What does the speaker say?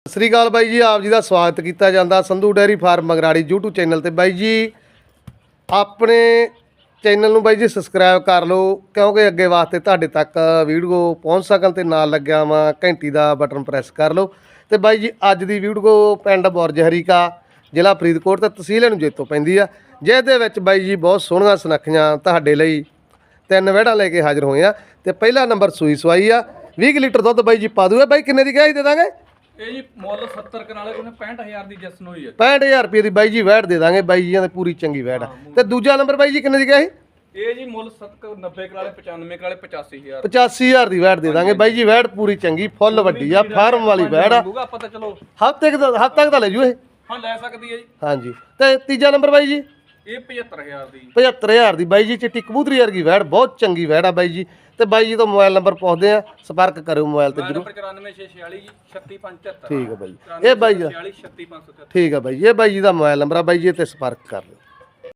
ਸਤਿ ਸ੍ਰੀ ਅਕਾਲ ਬਾਈ ਜੀ, ਆਪ ਜੀ ਦਾ ਸਵਾਗਤ ਕੀਤਾ ਜਾਂਦਾ Sandhu dairy farm Magrari YouTube channel ਤੇ। ਬਾਈ ਜੀ ਆਪਣੇ ਚੈਨਲ ਨੂੰ ਬਾਈ ਜੀ ਸਬਸਕ੍ਰਾਈਬ ਕਰ ਲਓ, ਕਿਉਂਕਿ ਅੱਗੇ ਵਾਸਤੇ ਤੁਹਾਡੇ ਤੱਕ ਵੀਡੀਓ ਪਹੁੰਚ ਸਕਣ ਤੇ ਨਾਲ ਲੱਗਿਆ ਵਾ ਘੰਟੀ ਦਾ ਬਟਨ ਪ੍ਰੈਸ ਕਰ ਲਓ। ਤੇ ਬਾਈ ਜੀ ਅੱਜ ਦੀ ਵੀਡੀਓ ਪਿੰਡ ਬੁਰਜ ਹਰੀਕਾ ਜ਼ਿਲ੍ਹਾ ਫਰੀਦਕੋਟ ਤੇ ਤਹਿਸੀਲ ਨੂੰ ਜੇਤੋਂ ਪੈਂਦੀ ਆ, ਜਿਹਦੇ ਵਿੱਚ ਬਾਈ ਜੀ ਬਹੁਤ ਸੋਹਣੀਆਂ ਸੁਨੱਖੀਆਂ ਤੁਹਾਡੇ ਲਈ ਤਿੰਨ ਵਹਿੜਾਂ ਲੈ ਕੇ ਹਾਜ਼ਰ ਹੋਏ ਆ। ਤੇ ਪਹਿਲਾ ਨੰਬਰ ਸੂਈ ਸਵਾਈ ਆ, 20 ਲੀਟਰ ਦੁੱਧ ਬਾਈ ਜੀ ਪਾ ਦੂਗਾ। ਬਾਈ ਕਿੰਨੇ ਦੀ ਗਾਈ ਦੇ ਦਾਂਗੇ? ਇਹ ਜੀ ਮੁੱਲ 70 ਕਨਾਲੇ ਕੋਨੇ 65000 ਦੀ ਜਸਨ ਹੋਈ ਹੈ। 65000 ਰੁਪਏ ਦੀ ਬਾਈ ਜੀ ਵੈੜ ਦੇ ਦਾਂਗੇ। ਬਾਈ ਜੀਆਂ ਦੀ ਪੂਰੀ ਚੰਗੀ ਵੈੜ ਆ। ਤੇ ਦੂਜਾ ਨੰਬਰ ਬਾਈ ਜੀ ਕਿੰਨੇ ਦੀ ਗਿਆ ਸੀ? ਇਹ ਜੀ ਮੁੱਲ 90 ਕਨਾਲੇ 95 ਕਨਾਲੇ 85000 85000 ਦੀ ਵੈੜ ਦੇ ਦਾਂਗੇ। ਬਾਈ ਜੀ ਵੈੜ ਪੂਰੀ ਚੰਗੀ ਫੁੱਲ ਵੱਡੀ ਆ, ਫਾਰਮ ਵਾਲੀ ਵੈੜ ਆ। ਆਪਾਂ ਤਾਂ ਚਲੋ ਹਫ਼ਤੇ ਤੱਕ ਤਾਂ ਲੈ ਜੂ ਇਹ। ਹਾਂ ਲੈ ਸਕਦੀ ਹੈ ਜੀ। ਹਾਂਜੀ ਤੇ ਤੀਜਾ ਨੰਬਰ ਬਾਈ ਜੀ ਇਹ 75000 ਦੀ 75000 ਦੀ ਬਾਈ ਜੀ ਚਿੱਟੀ ਕਬੂਤਰੀ ਵਰਗੀ ਵੈੜ, ਬਹੁਤ ਚੰਗੀ ਵੈੜ ਆ ਬਾਈ ਜੀ। ਤੇ ਬਾਈ ਜੀ ਤੋਂ ਮੋਬਾਈਲ ਨੰਬਰ ਪੁੱਛਦੇ ਆ, ਸੰਪਰਕ ਕਰਿਓ ਮੋਬਾਈਲ ਤੇ ਜਰੂਰ। 94646 ਜੀ 36573। ਠੀਕ ਹੈ ਬਾਈ, ਇਹ ਬਾਈ ਜੀ 36573। ਠੀਕ ਹੈ ਬਾਈ, ਇਹ ਬਾਈ ਜੀ ਦਾ ਮੋਬਾਈਲ ਨੰਬਰ ਆ ਬਾਈ ਜੀ, ਤੇ ਸੰਪਰਕ ਕਰ ਲਿਓ।